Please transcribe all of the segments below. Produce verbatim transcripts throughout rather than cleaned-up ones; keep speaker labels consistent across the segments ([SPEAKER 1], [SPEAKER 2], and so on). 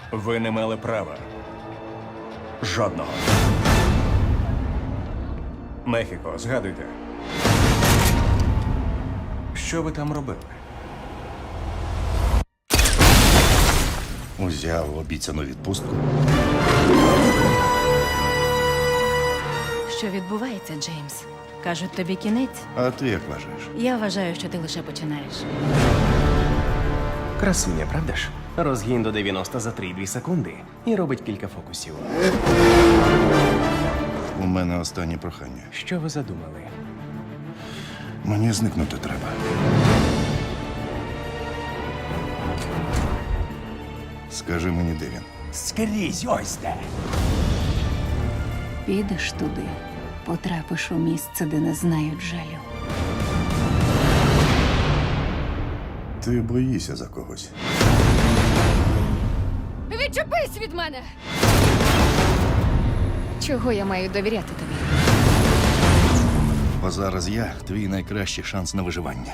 [SPEAKER 1] Ви не мали права. Жодного. Мехіко, згадуйте. Що ви там робили?
[SPEAKER 2] Узяв обіцяну відпустку.
[SPEAKER 3] Що відбувається, Джеймс? Кажуть, тобі кінець.
[SPEAKER 2] А ти як вважаєш?
[SPEAKER 3] Я вважаю, що ти лише починаєш.
[SPEAKER 4] Красуня, правда ж? Розгін до дев'яносто за три цілих дві секунди і робить кілька фокусів.
[SPEAKER 2] У мене останнє прохання.
[SPEAKER 4] Що ви задумали?
[SPEAKER 2] Мені зникнути треба. Скажи мені, де він.
[SPEAKER 5] Скрізь ось де.
[SPEAKER 6] Підеш туди, потрапиш у місце, де не знають жалю.
[SPEAKER 2] Ти боїшся за когось.
[SPEAKER 7] Відчепись від мене! Чого я маю довіряти тобі?
[SPEAKER 2] Бо зараз я твій найкращий шанс на виживання.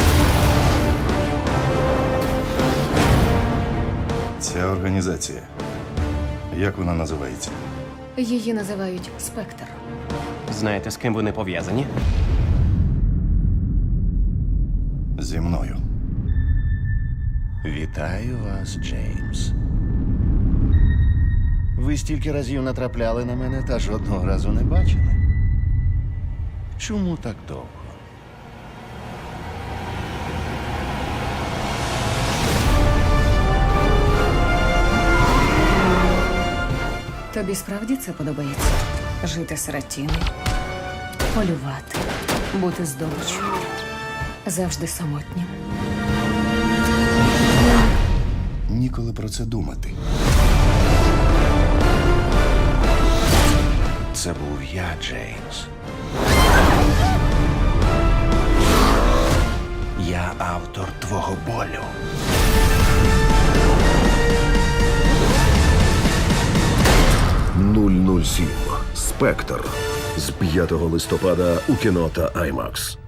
[SPEAKER 2] Ця організація. Як вона називається?
[SPEAKER 7] Її називають Спектр.
[SPEAKER 4] Знаєте, з ким вони пов'язані?
[SPEAKER 2] Зі мною.
[SPEAKER 5] Вітаю вас, Джеймс. Ви стільки разів натрапляли на мене та жодного разу не бачили. Чому так довго?
[SPEAKER 6] Тобі справді це подобається? Жити серед тіней, полювати, бути здобиччю, завжди самотнім.
[SPEAKER 2] Ніколи про це думати.
[SPEAKER 5] Це був я, Джеймс. Я автор твого болю.
[SPEAKER 8] нуль нуль сім. Спектр з п'ятого листопада у кіно та аймакс.